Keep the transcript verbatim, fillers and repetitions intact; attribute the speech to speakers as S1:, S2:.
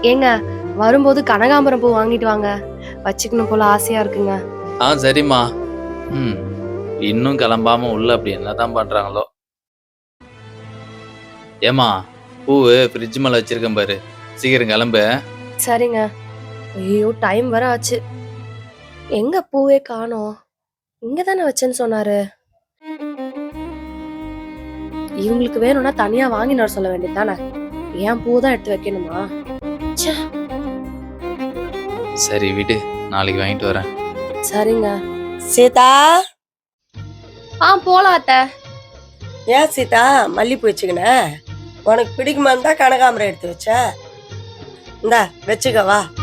S1: ஏங்க வரும்போது கனகாம்பரம் பூ வாங்கிட்டு வாங்க. வச்சுக்கணும் போல ஆசையா இருக்குங்க.
S2: ஆ சரிம்மா. ம் இன்னும் கிளம்பாம உள்ள அப்படி என்னதான் பண்றாங்களோ. ஏமா பூவு ஃப்ரிட்ஜ் மேல வச்சிருக்கேன் பாரு, சீக்கிரம் கிளம்பு.
S1: சரிங்க. ஐயோ டைம் வர ஆச்சு. எங்க பூவே காணோம்? இங்க தானே வச்சேன்னு சொன்னாரு. இவங்களுக்கு வேணும்னா தனியா வாங்கிட்டு வர சொல்ல வேண்டியது தானே. ஏன் பூ தான் எடுத்து வைக்கணுமா? ச்சே.
S2: சரி விடு, நாளைக்கு வாங்கிட்டு வரேன்.
S1: சரிங்க.
S3: சீதா,
S1: ஆ போலாம் அத்தை.
S3: ஏன் சீதா மல்லிப்பூ வச்சுக்கின? உனக்கு பிடிக்குமா இருந்தா கனகாம்பரம் எடுத்து வச்ச. இந்தா வச்சுக்க வா.